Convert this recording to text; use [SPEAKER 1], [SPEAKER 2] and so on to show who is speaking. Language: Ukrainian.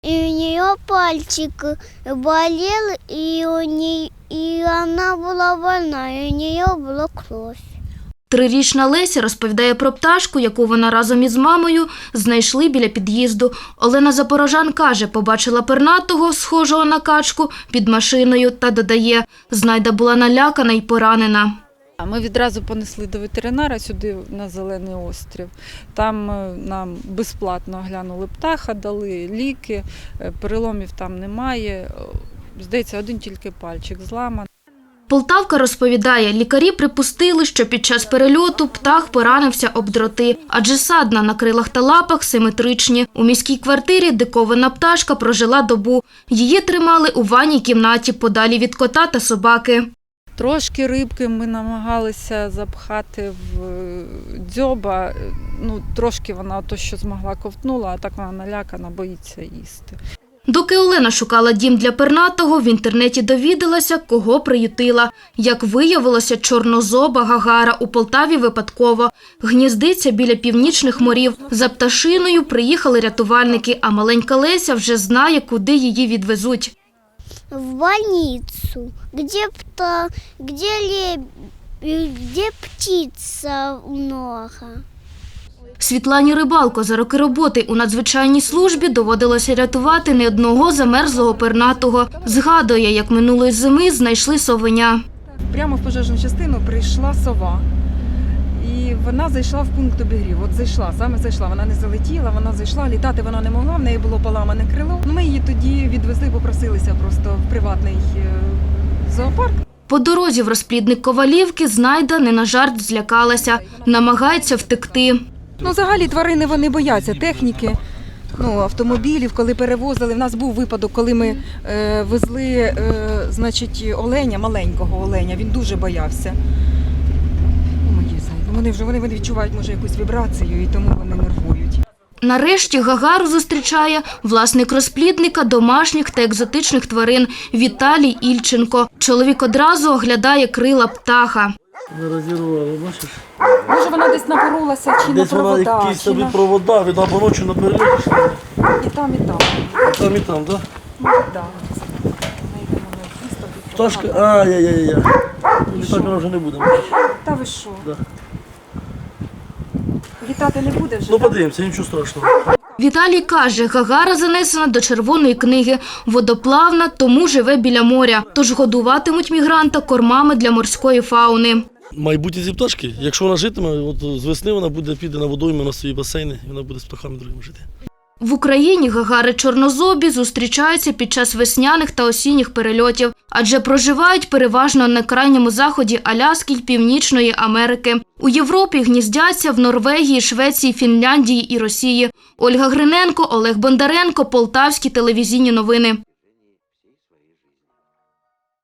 [SPEAKER 1] И у нее пальчик болел, и она была больна, и у нее была кровь.
[SPEAKER 2] 3-річна Леся розповідає про пташку, яку вона разом із мамою знайшли біля під'їзду. Олена Запорожан каже, побачила пернатого, схожого на качку, під машиною та додає, знайда була налякана й поранена.
[SPEAKER 3] Ми відразу понесли до ветеринара сюди, на Зелений острів. Там нам безплатно оглянули птаха, дали ліки, переломів там немає. Здається, один тільки пальчик зламаний.
[SPEAKER 2] Полтавка розповідає, лікарі припустили, що під час перельоту птах поранився об дроти, адже садна на крилах та лапах симетричні. У міській квартирі диковина пташка прожила добу. Її тримали у ванній кімнаті, подалі від кота та собаки.
[SPEAKER 3] Трошки рибки ми намагалися запхати в дзьоба. Трошки вона то, що змогла, ковтнула, а так вона налякана, боїться їсти.
[SPEAKER 2] Доки Олена шукала дім для пернатого, в інтернеті довідалася, кого приютила. Як виявилося, чорнозоба гагара у Полтаві випадково. Гніздиться біля північних морів. За пташиною приїхали рятувальники, а маленька Леся вже знає, куди її відвезуть.
[SPEAKER 1] В больницу, где птица много.
[SPEAKER 2] Світлані Рибалко за роки роботи у надзвичайній службі доводилося рятувати не одного замерзлого пернатого. Згадує, як минулої зими знайшли совеня.
[SPEAKER 4] Прямо в пожежну частину прийшла сова. І вона зайшла в пункт обігріву. Саме зайшла. Вона не залетіла, вона зайшла, літати вона не могла, в неї було поламане крило. Ми її тоді відвезли, попросилися просто в приватний зоопарк.
[SPEAKER 2] По дорозі в розплідник Ковалівки знайда не на жарт злякалася, намагається втекти.
[SPEAKER 4] Взагалі тварини вони бояться техніки, автомобілів, коли перевозили. В нас був випадок, коли ми везли оленя, маленького оленя, він дуже боявся. Вони відчувають, може, якусь вібрацію, і тому вони нервують.
[SPEAKER 2] Нарешті Гагару зустрічає власник розплідника домашніх та екзотичних тварин Віталій Ільченко. Чоловік одразу оглядає крила птаха.
[SPEAKER 5] Не розірвали, бачиш?
[SPEAKER 4] Може, вона десь напоролася чи
[SPEAKER 5] десь
[SPEAKER 4] на провода.
[SPEAKER 5] Десь вона якісь собі провода, від або ночі на перельоті.
[SPEAKER 4] І там, і там.
[SPEAKER 5] Там, і там, так?
[SPEAKER 4] Так.
[SPEAKER 5] Пташка, ай-яй-яй-яй. Літати вона вже не буде.
[SPEAKER 4] Та ви що?
[SPEAKER 5] Да.
[SPEAKER 4] Літати не буде вже?
[SPEAKER 5] Подивимося, нічого страшного.
[SPEAKER 2] Віталій каже, Гагара занесена до Червоної книги, водоплавна, тому живе біля моря. Тож годуватимуть мігранта кормами для морської фауни.
[SPEAKER 5] Майбутнє ці пташки, якщо вона житиме, з весни вона піде на водойми, на свої басейни, і вона буде з птахами другими жити.
[SPEAKER 2] В Україні гагари чорнозобі зустрічаються під час весняних та осінніх перельотів, адже проживають переважно на крайньому заході Аляски й Північної Америки. У Європі гніздяться в Норвегії, Швеції, Фінляндії і Росії. Ольга Гриненко, Олег Бондаренко, Полтавські телевізійні новини.